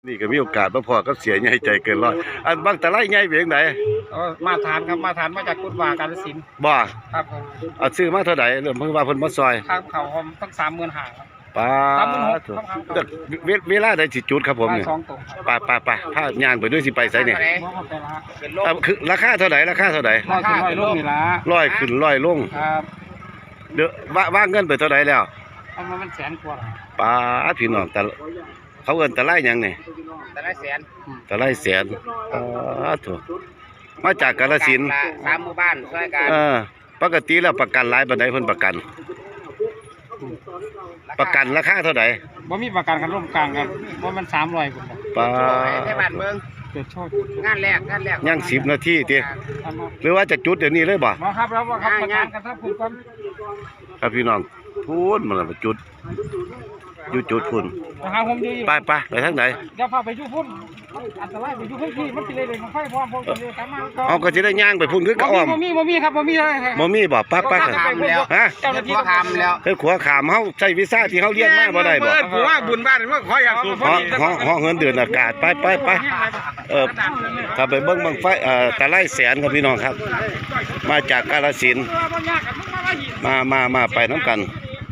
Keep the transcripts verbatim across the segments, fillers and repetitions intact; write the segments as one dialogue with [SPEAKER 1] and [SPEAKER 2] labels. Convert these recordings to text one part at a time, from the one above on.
[SPEAKER 1] นี่ก็มีโอกาสมาพอกับเสียใหญ่ใจเกินร้อยอันบางตะไลใหญ่เพียงไหน
[SPEAKER 2] มาทานครับมาทานมาจากกุฎวากาฬสินธุ์
[SPEAKER 1] บ่
[SPEAKER 2] ครับผม
[SPEAKER 1] เอาซื้อมาเท่าไหร่เริ่มเพิ่งว่าเพิ่นมาซอย
[SPEAKER 2] ครับเขาผมตั้งสามหมื่นห้าครับ
[SPEAKER 1] ป้าเวลาได้สิจุดครับผมเนี่ยป้าป้าป้าผ้าย่างไปด้วยสิไปไสเนี่ยคือราคาเท่าไหร่ราคาเท่าไหร่
[SPEAKER 2] ร้อยขึ้นร้อยลงนี่ละ
[SPEAKER 1] ร้อยขึ้นร้อยลง
[SPEAKER 2] ครับ
[SPEAKER 1] เดี๋ยวว่าว่าเงินไปเท่าไหร่แล้ว
[SPEAKER 2] เอามามันแสนกว่า
[SPEAKER 1] ป้าพี่น้องแต่เขาเอิ้นตะไลหยังนี่
[SPEAKER 2] ตะไลแสน
[SPEAKER 1] ตะไลแสนอ๋อถูกมาจากกาฬสินธุ์
[SPEAKER 2] สามหมู่บ้านช่วยกัน
[SPEAKER 1] เออปกติแล้วประกันหลายปานใดเพิ่นประกันประกันราคาเท่าไหร่
[SPEAKER 2] บ่มีประกันกันร่วมกลางกันบ่มันสามร้อยพุ่น
[SPEAKER 1] ป้า
[SPEAKER 2] ให้บ้านเมืองเกิดโชคงานแรกงานแรก
[SPEAKER 1] ยังสิบนาทีติหรือว่าจะจุดเดี๋ยวนี้เลยบ่
[SPEAKER 2] บ่ครับแล้วบ่ครับประกันกันครับคุณก่อน
[SPEAKER 1] ครับพี่น้องพูดมันละจุดอยู่จุดพุ่นไปไปไปทางไหน
[SPEAKER 2] เดี๋ยวพาไปอยู่พุ่นอันตรายไปอยู่พุ่นที่มันสิเลยเลยไฟพร้อมพร้อมกันเลยกลับมา
[SPEAKER 1] เอาก็สิได้ย่างไปพุ่นคือก็อ้อม
[SPEAKER 2] บ่มีบ่มีครับบ่มี
[SPEAKER 1] บ่มีบ่ปักปัก
[SPEAKER 2] ฮะเจ้าหน้าที่ขามแล้ว
[SPEAKER 1] เฮ้ยขัวขามเฮาใช้วีซ่าที่เฮาเรียนมาบ่ได้บ่
[SPEAKER 2] ผู้ว่าบุญบ้านว่าขออยากสูบ
[SPEAKER 1] ฮ้องฮ้องเงินเดือนอากาศไปไปไปเออถ้าไปเบิ่งบังไฟเอ่อตะไลแสนครับพี่น้องครับมาจากกาฬสินธุ์มามามาไปนำกัน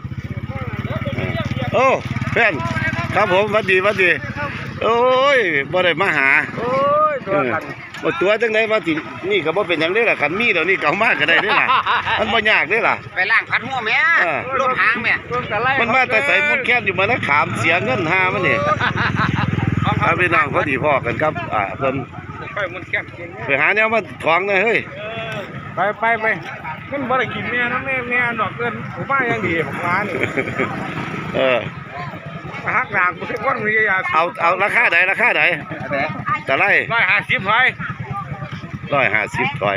[SPEAKER 1] โอ้เพื่อนครับผมวัดดีวัดดีโอ้ยบ่ได้มาหา
[SPEAKER 2] โอ้ยตัวกัน
[SPEAKER 1] บ่ตัวจังได๋ว่าสินี่ก็บ่เป็นหยังเด้ล่ะคันมีเดี๋ยวนี้ก็เอามาก็ได้เด้ล่ะมันบ่ยากเด้ล่ะ
[SPEAKER 2] ไปล้างพัดหัวแม่ลมหางแม่
[SPEAKER 1] มันมาแต่ใส่มุนแค้นอยู่มานะขามเสียเงินหามันนี่ครับพี่น้องพอดีพ่อกันครับอ่าเพิ่น
[SPEAKER 2] ไปมุนแค้น
[SPEAKER 1] ไปหาแนวมาถองหน่อยเฮ้ย
[SPEAKER 2] ไปไปไปมันบ่ได้กินแม่นำแม่แม่ดอกเกินผมว่ายังดีของร้านนี่
[SPEAKER 1] เออ
[SPEAKER 2] ฮักด่างทุกคนมีอยาก
[SPEAKER 1] เอาเอาราคาไหนราคาไหนจะไล่
[SPEAKER 2] ร้อยห้าสิบถอย
[SPEAKER 1] ร้อยห้าสิบถอย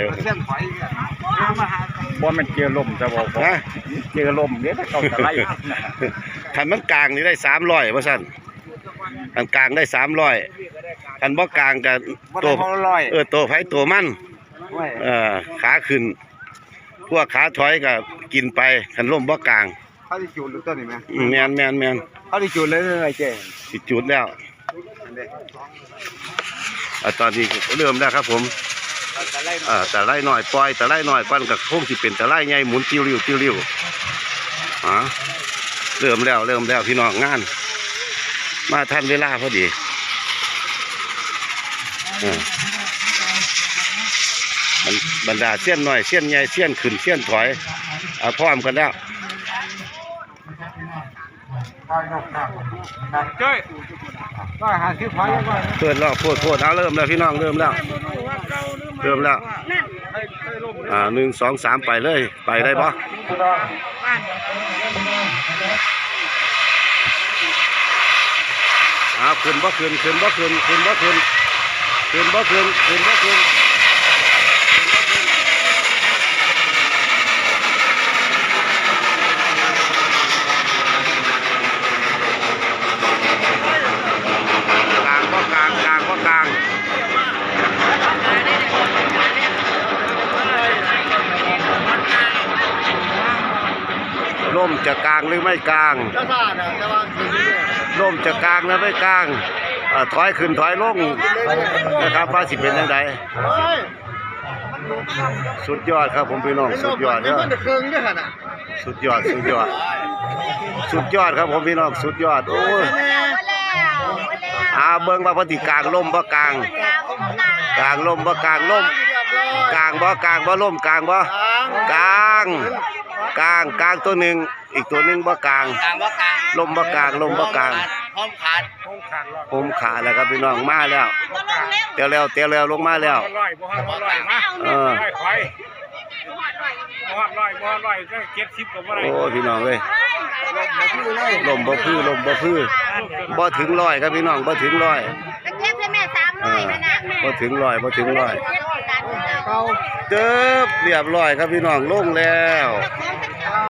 [SPEAKER 2] บ่มันเจอลมจะบอก
[SPEAKER 1] นะ
[SPEAKER 2] เจอลมเนี่ยถ้าเขาจะไล่
[SPEAKER 1] คันมันกลางนี่ได้สามร้อยว่าสั่นคันกลางได้สามร้อยคันบ่กลางกับตัวเออตัวไผ่ตัวมันเออขาขึ้นพวกขาถอยก็กินไปคันล่มบ่กลาง
[SPEAKER 2] เขาที่จุดหรือต้นนี่ไหม
[SPEAKER 1] แมนแมนแมน
[SPEAKER 2] เขาที่จุดเลยไงเจ๊
[SPEAKER 1] ที่จุดแล้วตอนนี้เริ่มแล้วครับผมแต่ไล่หน่อยปล่อยแต่ไล่หน่อยปั้นกับพงที่เป็นแต่ไล่ใหญ่หมุนติ้วริ้วติ้วริ้วฮะเริ่มแล้วเริ่มแล้วพี่น้องงานมาทันเวลาพอดีบรรดาเสี้ยนหน่อยเสี้ยนใหญ่เสี้ยนขึ้นเสี้ยนถอยพร้อมกันแล้ว
[SPEAKER 2] เจ้ยก็หาซื้อถอยยังไง
[SPEAKER 1] เปิดแล้วโคตรโคตรเอาเริ่มแล้วพี่น้องเริ่มแล้วเริ่มแล้วอ่าหนึ่งสองสามไปเลยไปได้ปะอ้าวขึ้นบ่ขึ้นขึ้นบ่ขึ้นขึ้นบ่ขึ้นขึ้นบ่ขึ้นขึ้นบ่ขึ้นล่มจะกลางหรือไม่กลางล่มจะกลางหรือไม่กลางถอยขึ้นถอยลงนะครับว่าสิเป็นยังไงสุดยอดครับผมพี่น้องสุดยอดเนอะสุดยอดสุดยอดสุดยอดครับผมพี่น้องสุดยอดโอ้ยอาเบิ้งว่าปฏิกลางล่มบ่กลางกลางล่มบ่กลางล่มกลางบ่กลางบ่ล่มกลางบ่กลางกลางกลางตัวหนึ่งอีกตัวหนึ่งบ่กลางลมบ่กลางลมบ่กลาง
[SPEAKER 2] พร้อมขาด
[SPEAKER 1] พร้อมขาดแล้วครับพี่น้องมาแล้วเตียวแล้วเตียวแล้วลงมาแล้วเออโอ้พี่น้องเลยลมบ่พื้ลมบ่พื้บ่ถึงร้อยครับพี่น้องบ่ถึงร้อยบ่ถึงร้อยบ่ถึงร้อยเติบเรียบร้อยครับพี่น้องลงแล้ว